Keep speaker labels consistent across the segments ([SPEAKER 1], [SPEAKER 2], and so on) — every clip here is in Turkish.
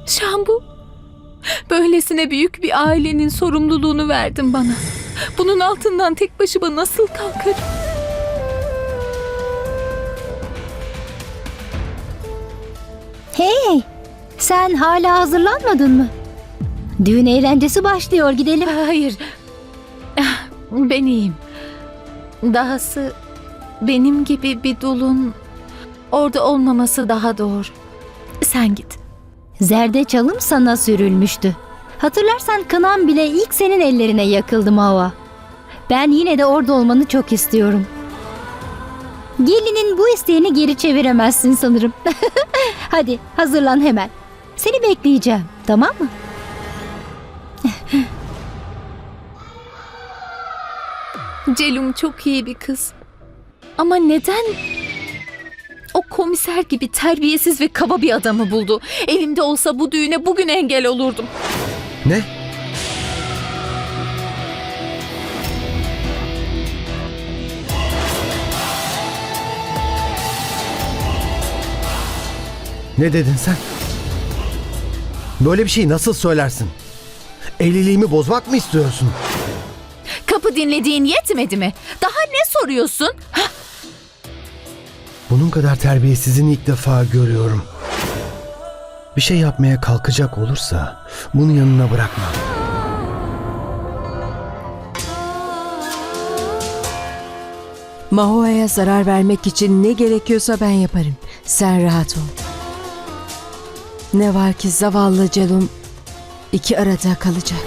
[SPEAKER 1] Şambu, böylesine büyük bir ailenin sorumluluğunu verdin bana. Bunun altından tek başıma nasıl kalkarım?
[SPEAKER 2] Hey, sen hala hazırlanmadın mı? Düğün eğlencesi başlıyor, gidelim.
[SPEAKER 1] Hayır, ben iyiyim. Dahası benim gibi bir dulun orada olmaması daha doğru. Sen git.
[SPEAKER 2] Zerdeçalım sana sürülmüştü. Hatırlarsan kınam bile ilk senin ellerine yakıldı Mahua. Ben yine de orada olmanı çok istiyorum. Gelinin bu isteğini geri çeviremezsin sanırım. Hadi hazırlan hemen. Seni bekleyeceğim, tamam mı?
[SPEAKER 1] Celum çok iyi bir kız. Ama neden o komiser gibi terbiyesiz ve kaba bir adamı buldu? Elimde olsa bu düğüne bugün engel olurdum.
[SPEAKER 3] Ne? Ne dedin sen? Böyle bir şeyi nasıl söylersin? Evliliğimi bozmak mı istiyorsun?
[SPEAKER 1] Kapı dinlediğin yetmedi mi? Daha ne soruyorsun?
[SPEAKER 3] Bunun kadar terbiyesizini ilk defa görüyorum. Bir şey yapmaya kalkacak olursa bunu yanına bırakma.
[SPEAKER 4] Mahua'ya zarar vermek için ne gerekiyorsa ben yaparım. Sen rahat ol. Ne var ki zavallı Celum iki arada kalacak.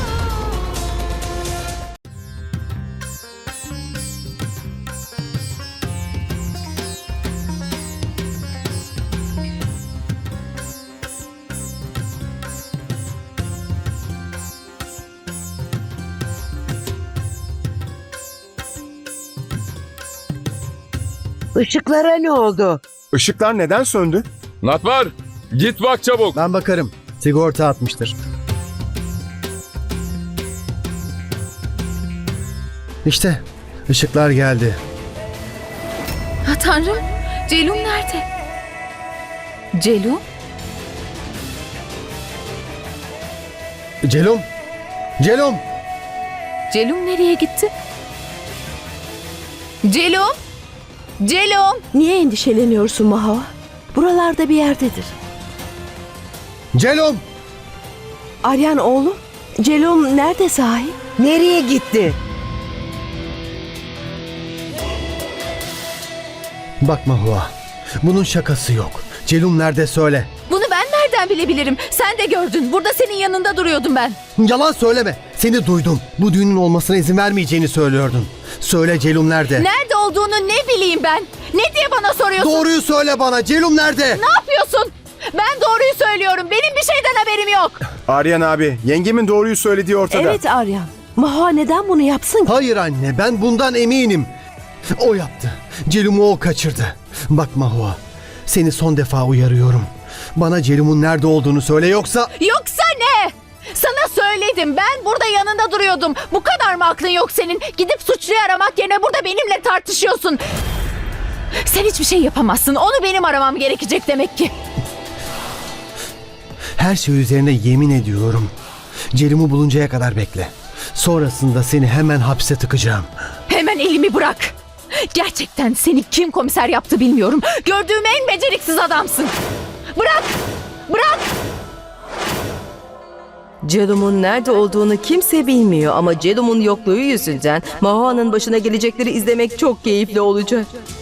[SPEAKER 5] Işıklara ne oldu?
[SPEAKER 6] Işıklar neden söndü?
[SPEAKER 7] Natvar, git bak çabuk.
[SPEAKER 3] Ben bakarım. Sigorta atmıştır. İşte ışıklar geldi.
[SPEAKER 1] Ha Tanrım, Celum nerede? Celum?
[SPEAKER 3] Celum! Celum!
[SPEAKER 1] Celum nereye gitti? Celum? Celum!
[SPEAKER 5] Niye endişeleniyorsun Mahua? Buralarda bir yerdedir.
[SPEAKER 3] Celum!
[SPEAKER 5] Aryan oğlum, Celum nerede sahi? Nereye gitti?
[SPEAKER 3] Bak Mahua, bunun şakası yok. Celum nerede söyle.
[SPEAKER 1] Bunu ben nereden bilebilirim? Sen de gördün. Burada senin yanında duruyordum ben.
[SPEAKER 3] Yalan söyleme. Seni duydum. Bu düğünün olmasına izin vermeyeceğini söylüyordun. Söyle Celum nerede?
[SPEAKER 1] Nerede olduğunu ne bileyim ben? Ne diye bana soruyorsun?
[SPEAKER 3] Doğruyu söyle bana. Celum nerede?
[SPEAKER 1] Ne yapıyorsun? Ben doğruyu söylüyorum. Benim bir şeyden haberim yok.
[SPEAKER 6] Aryan abi, yengemin doğruyu söylediği ortada.
[SPEAKER 5] Evet Aryan. Mahua neden bunu yapsın ki?
[SPEAKER 3] Hayır anne, ben bundan eminim. O yaptı. Celum'u o kaçırdı. Bak Mahua, seni son defa uyarıyorum. Bana Celum'un nerede olduğunu söyle yoksa...
[SPEAKER 1] Yoksa ne? Sana söyledim. Ben burada yanında duruyordum. Bu kadar mı aklın yok senin? Gidip suçluyu aramak yerine burada benimle tartışıyorsun. Sen hiçbir şey yapamazsın. Onu benim aramam gerekecek demek ki.
[SPEAKER 3] Her şey üzerine yemin ediyorum. Celum'u buluncaya kadar bekle. Sonrasında seni hemen hapse tıkacağım.
[SPEAKER 1] Hemen elimi bırak. Gerçekten seni kim komiser yaptı bilmiyorum. Gördüğüm en beceriksiz adamsın. Bırak! Bırak!
[SPEAKER 4] Celum'un nerede olduğunu kimse bilmiyor ama Celum'un yokluğu yüzünden Mahua'nın başına gelecekleri izlemek çok keyifli olacak.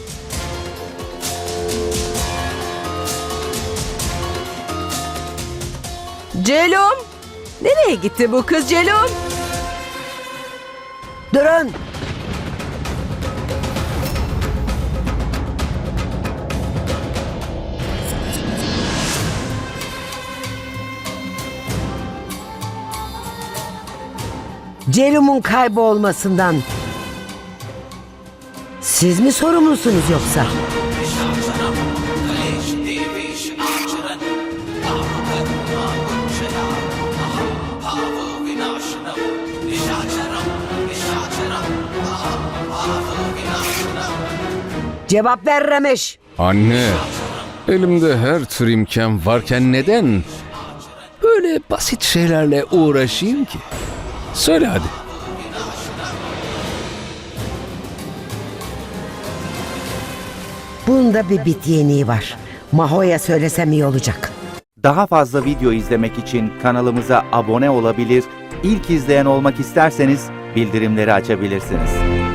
[SPEAKER 4] Celum! Nereye gitti bu kız Celum?
[SPEAKER 5] Durun! Celum'un kaybolmasından siz mi sorumlusunuz yoksa? Cevap ver Ramesh.
[SPEAKER 7] Anne, elimde her tür imkan varken neden
[SPEAKER 8] böyle basit şeylerle uğraşayım ki? Söyle hadi.
[SPEAKER 9] Bunda bir bit yeniği var. Maho'ya söylesem iyi olacak.
[SPEAKER 10] Daha fazla video izlemek için kanalımıza abone olabilir, ilk izleyen olmak isterseniz bildirimleri açabilirsiniz.